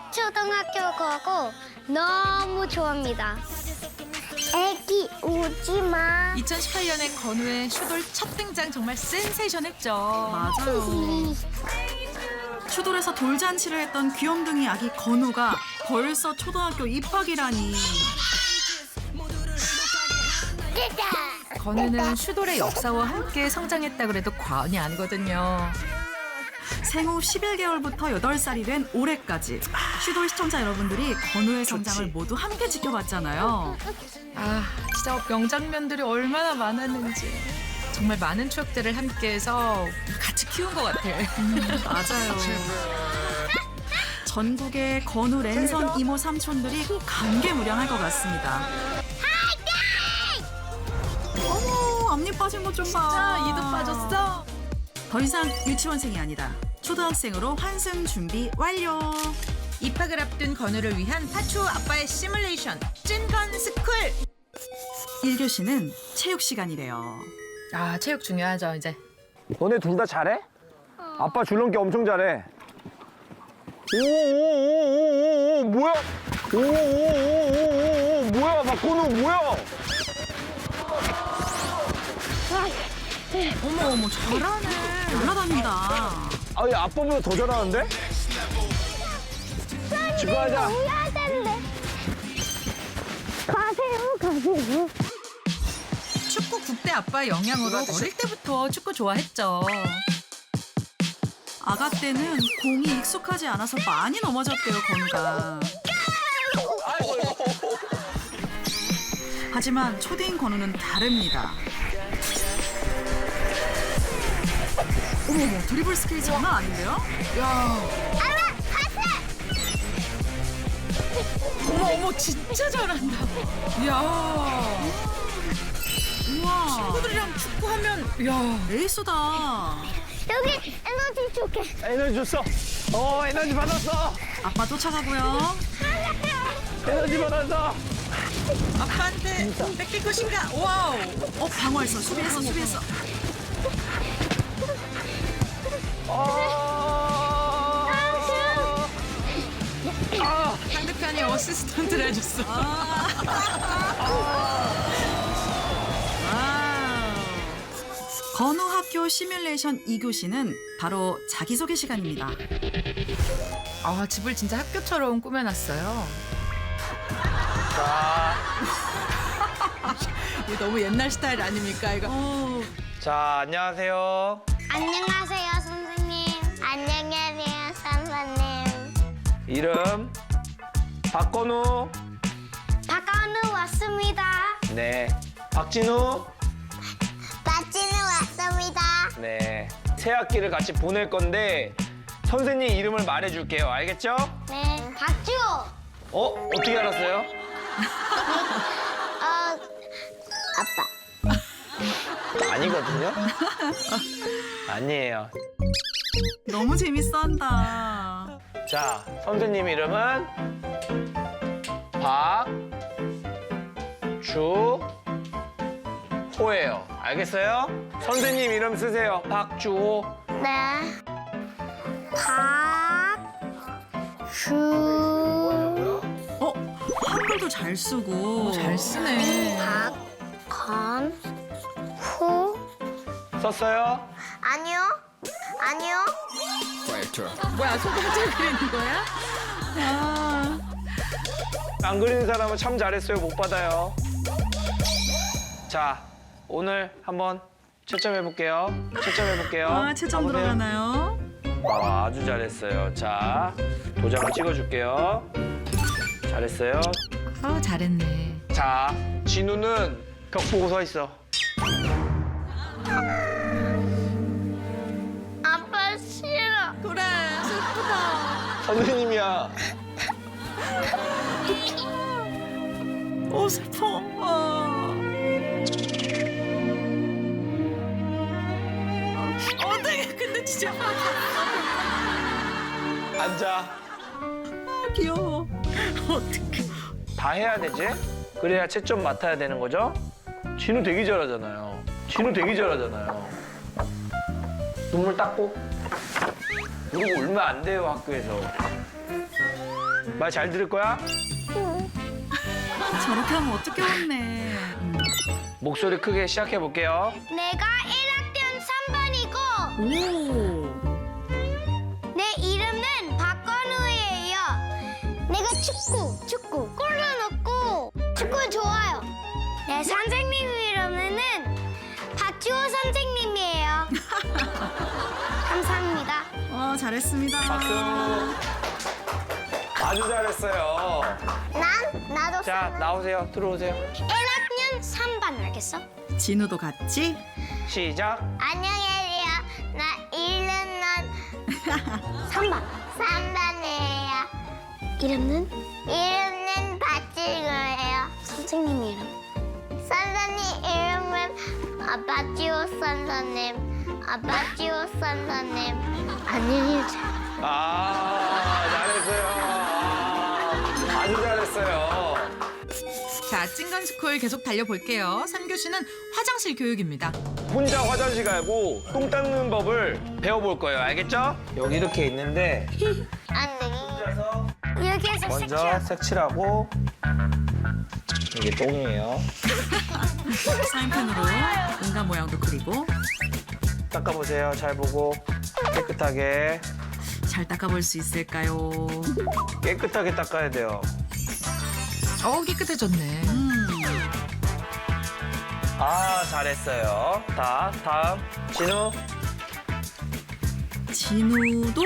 초등학교 가고 너무 좋아합니다. 애기 오지 마. 2018년에 건우의 슈돌 첫 등장 정말 센세이션했죠. 맞아요. 슈돌에서 돌잔치를 했던 귀염둥이 아기 건우가 벌써 초등학교 입학이라니. 건우는 슈돌의 역사와 함께 성장했다 그래도 과언이 아니거든요. 생후 11개월부터 8살이 된 올해까지 슈돌 시청자 여러분들이 건우의 성장을 모두 함께 지켜봤잖아요. 아, 진짜 명장면들이 얼마나 많았는지. 정말 많은 추억들을 함께해서 같이 키운 것 같아. 맞아요. 전국의 건우 랜선 이모 삼촌들이 감개무량할 것 같습니다. 어머, 앞니 빠진 것 좀 봐. 자, 이도 빠졌어. 더 이상 유치원생이 아니다. 초등학생으로 환승 준비 완료. 입학을 앞둔 건우를 위한 파초 아빠의 시뮬레이션 찐건 스쿨. 1교시는 체육 시간이래요. 아, 체육 중요하죠, 이제. 너네 둘 다 잘해? 아빠 줄넘기 엄청 잘해. 오오오오오오 뭐야? 오오오오오오 뭐야? 박건우 뭐야? 어머 잘하네. 날라다닌다. 아니 아빠보다 더 잘하는데? 축구하자. 해야 되는데. 가세요. 축구 국대 아빠의 영향으로 어릴 때부터 축구 좋아했죠. 아가 때는 공이 익숙하지 않아서 많이 넘어졌대요, 건우가. 하지만 초딩 건우는 다릅니다. 어머머, 드리블 스킬이 장난 아닌데요? 어머, 진짜 잘한다. 이야, 우와, 친구들이랑 축구하면, 이야. 에이스다. 여기 에너지 줄게. 에너지 줬어. 에너지 받았어. 아빠 쫓아가고요. 에너지 받았어. 아빠한테 뺏길 것인가? 와우. 방어했어. 수비했어. 상대편이 어시스턴트를 해줬어. 건우 학교 시뮬레이션 2교시는 바로 자기소개 시간입니다. 아, 집을 진짜 학교처럼 꾸며놨어요. 자, 이거 너무 옛날 스타일 아닙니까, 이거? 자 안녕하세요. 안녕하세요, 선생님. 안녕하세요, 선생님. 이름 박건우. 박건우 왔습니다. 네. 박진우. 박진우 왔습니다. 네. 새 학기를 같이 보낼 건데 선생님 이름을 말해줄게요. 알겠죠? 네, 박주. 어떻게 알았어요? 아빠. 아니거든요. 아니에요. 너무 재밌어한다. 자, 선생님 이름은 박주호예요. 알겠어요? 선생님 이름 쓰세요. 박주호. 네. 박주. 한글도 잘 쓰고. 잘 쓰네. 박건후. 썼어요? 아니요. 뭐야, 소금질 그리는 거야? 안 그리는 사람은 참 잘했어요. 못 받아요. 자, 오늘 한번 채점해볼게요. 채점 가보세요. 들어가나요? 아주 잘했어요. 자, 도장을 찍어줄게요. 잘했어요. 잘했네. 자, 진우는 벽 보고 서 있어. 아빠 싫어. 그래, 슬프다. 선생님이야. 슬퍼. 어떡해, 근데 진짜. 앉아. 귀여워. 어떡해. 다 해야 되지? 그래야 채점 맡아야 되는 거죠? 진우 되게 잘하잖아요. 눈물 닦고. 그리고 얼마 안 돼요, 학교에서. 말 잘 들을 거야? 저렇게 하면 어떻게 혼내. 목소리 크게 시작해 볼게요. 내가 1학년 3반이고 오. 내 이름은 박건우예요. 내가 축구 골로 넣고 축구 좋아요. 내 선생님 이름은 박주호 선생님이에요. 감사합니다. 잘했습니다. 박수. 아주 잘했어요. 나도 자, 나오세요. 들어오세요. 1학년 3반 알겠어? 진우도 같이. 시작. 안녕하세요. 나 1학년 3반이에요. 이름은 박지우예요. 선생님 이름. 선생님 이름은 박지우 선생님. 박지우 선생님. 안녕히 계세요. 잘했어요. 아주 잘했어요. 자, 찐간스쿨 계속 달려볼게요. 3교시는 화장실 교육입니다. 혼자 화장실 가고 똥 닦는 법을 배워볼 거예요. 알겠죠? 여기 이렇게 있는데 안녕히. 여기에서 먼저 색칠. 색칠하고 이게 똥이에요. 사인펜으로 인간 모양도 그리고 닦아보세요. 잘 보고 깨끗하게 닦아볼 수 있을까요? 깨끗하게 닦아야 돼요. 깨끗해졌네. 잘했어요. 다음 진우. 진우도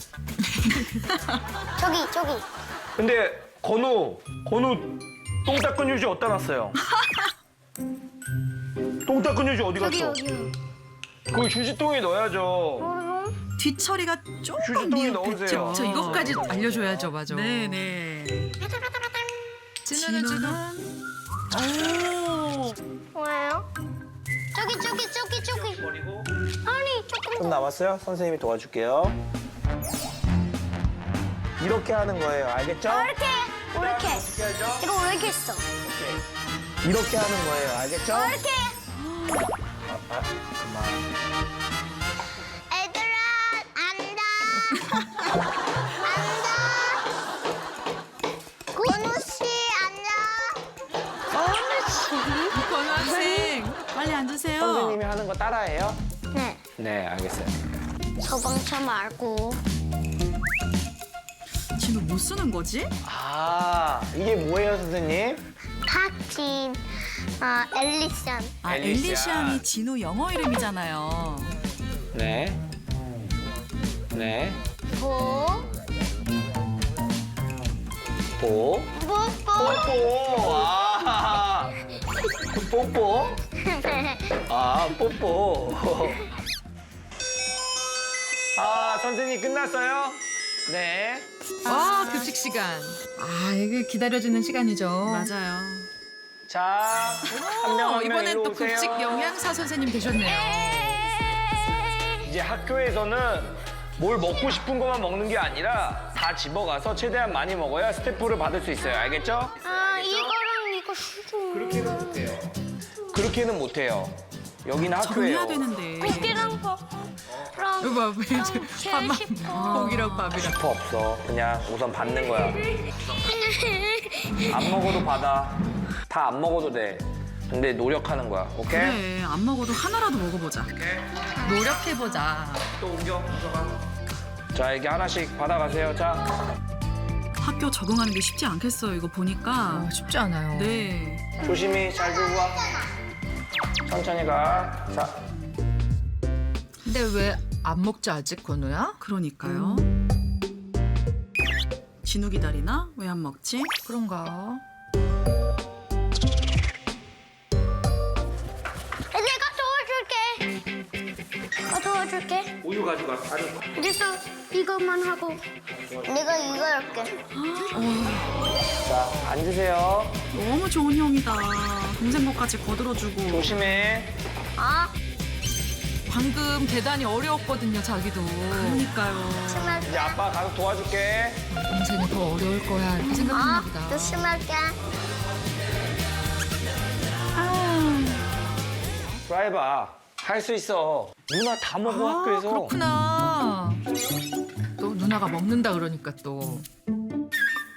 저기. 근데 건우 똥 닦은 휴지 어디다 놨어요? 똥 닦은 휴지 어디 갔어? 여기요. 그 휴지통에 넣어야죠. 뒷처리가 조금 휴지통에 미흡했죠. 넣으세요. 저 이것까지 알려줘야죠, 맞아. 네네. 진우는 지금 오. 뭐예요? 저기. 버리고. 아니, 조금. 좀 남았어요? 선생님이 도와줄게요. 이렇게 하는 거예요. 알겠죠? 이렇게. 어떻게 하죠? 이거 왜 이렇게 했어? 이렇게 하는 거예요. 알겠죠? 이렇게. 그만. 애들아, 앉아. 건우 씨, 앉아. 건우 씨? 건우 학생. 빨리 앉으세요. 선생님이 하는 거 따라해요? 네. 네, 알겠어요. 소방차 말고. 진우 뭐 쓰는 거지? 이게 뭐예요, 선생님? 칵틴, 엘리션. 아, 엘리시안. 엘리시안이 진우 영어 이름이잖아요. 네. 보. 뽀. 뽀뽀. 뽀뽀. 뽀뽀. 선생님 끝났어요? 네. 급식 시간. 이게 기다려주는 시간이죠. 맞아요. 자, 한 명 한 명 이번엔 일로 또 오세요. 급식 영양사 선생님 되셨네요. 이제 학교에서는 뭘 먹고 싶은 것만 먹는 게 아니라 다 집어가서 최대한 많이 먹어야 스태프를 받을 수 있어요. 알겠죠? 이거랑 이거 수준. 그렇게는 못해요. 그렇게는 못해요. 여기는 학교예요. 정해야 되는데. 고기랑 밥랑 이거 봐, 이제 밥만 고기랑 밥이랑. 스태프 없어. 그냥 우선 받는 거야. 안 먹어도 받아. 다 안 먹어도 돼. 근데 노력하는 거야. 오케이? 그래, 안 먹어도 하나라도 먹어보자. 노력해보자. 또 옮겨. 자, 이게 하나씩 받아가세요. 자. 학교 적응하는 게 쉽지 않겠어요, 이거 보니까. 쉽지 않아요. 네. 조심히 잘 들고 와. 천천히 가. 자. 근데 왜 안 먹지 아직, 건우야? 그러니까요. 진우 기다리나? 왜 안 먹지? 그런가? 내가 도와줄게. 우유 가져가. 됐어. 이것만 하고. 내가 이거 할게. 자, 앉으세요. 너무 좋은 형이다. 동생 것까지 거들어주고. 조심해. 방금 계단이 어려웠거든요, 자기도. 그러니까요. 이제 아빠 가서 도와줄게. 동생이 더 어려울 거야, 이렇게 생각했나 보다. 조심할게. 드라이버, 할 수 있어. 누나 다 먹어, 학교에서. 그렇구나. 또 누나가 먹는다 그러니까 또.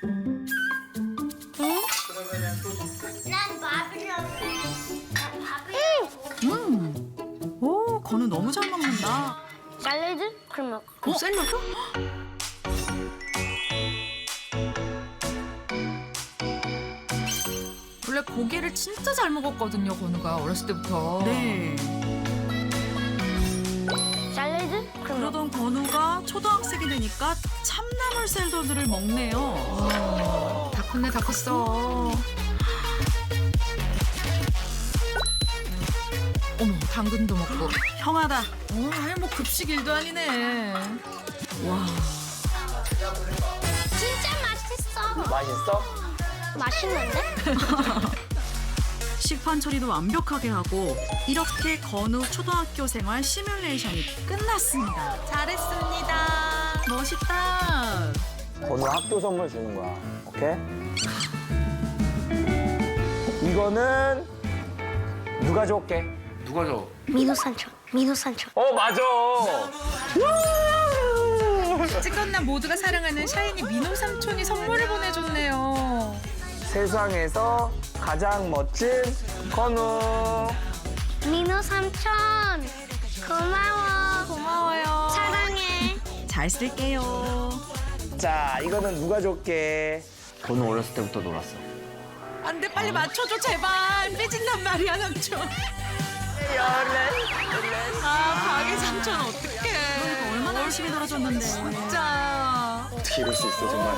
샐러드? 그러면 샐러드? 원래 고기를 진짜 잘 먹었거든요, 건우가 어렸을 때부터. 네. 샐러드? 그러면 그러던 건우가 초등학생이 되니까 참나물 샐러드를 먹네요. 다 컸네, 다 컸어. 어머, 당근도 먹고. 형하다. 아예 뭐 급식 일도 아니네. 와. 진짜 맛있어. 맛있어? 맛있는데? 식판 처리도 완벽하게 하고 이렇게 건우 초등학교 생활 시뮬레이션이 끝났습니다. 잘했습니다. 멋있다. 건우 학교 선물 주는 거야. 오케이? 이거는 누가 줄게? 누가 줘? 민호 삼촌. 민호 삼촌. 맞아. 찌건남 모두가 사랑하는 샤이니 민호 삼촌이 선물을 보내줬네요. 세상에서 가장 멋진 건우. 민호 삼촌. 고마워. 고마워요. 사랑해. 잘 쓸게요. 자, 이거는 누가 줄게? 건우 어렸을 때부터 놀았어. 안 돼, 빨리 맞춰줘, 제발. 삐진단 말이야, 삼촌. 박이 삼촌 어떡해. 얼마나 열심히 놀아줬는데. 진짜. 어떻게 이럴 수 있어, 정말.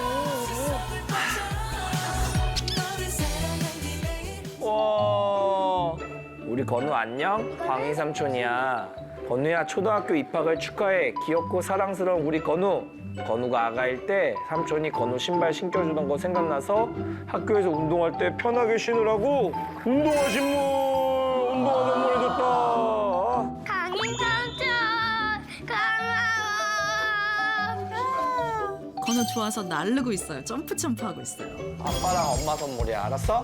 와, 우리 건우 안녕? 광희 삼촌이야. 건우야, 초등학교 입학을 축하해. 귀엽고 사랑스러운 우리 건우. 건우가 아가일 때 삼촌이 건우 신발 신겨주던 거 생각나서 학교에서 운동할 때 편하게 신으라고 운동화 선물해줬다. 강인 삼촌. 고마워. 건우 좋아서 날르고 있어요. 점프 하고 있어요. 아빠랑 엄마 선물이야, 알았어?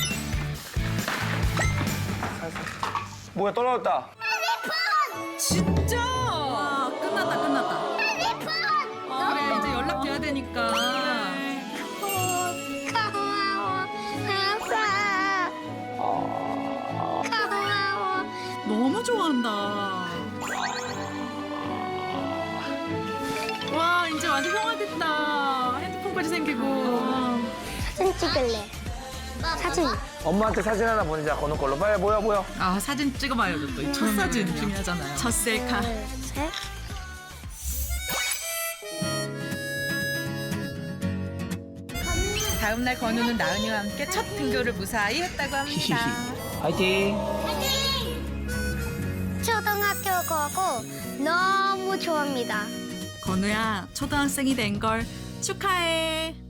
뭐야, 떨어졌다. 진짜? 와, 끝났다. 그래, 이제 연락돼야 되니까. 고마워. 아빠. 고마워. 너무 좋아한다. 와, 이제 완전 형아 됐다. 핸드폰까지 생기고. 사진 찍을래. 사진. 엄마한테 사진 하나 보내자, 건우 걸로. 빨리 모여. 아, 사진 찍어봐야죠, 또. 이 첫 사진 중요하잖아요. 첫 셀카. 둘, 셋. 다음 날 건우는 나은이와 함께 첫 등교를 무사히 했다고 합니다. 화이팅! 초등학교 가고 너무 좋아합니다. 건우야, 초등학생이 된 걸 축하해.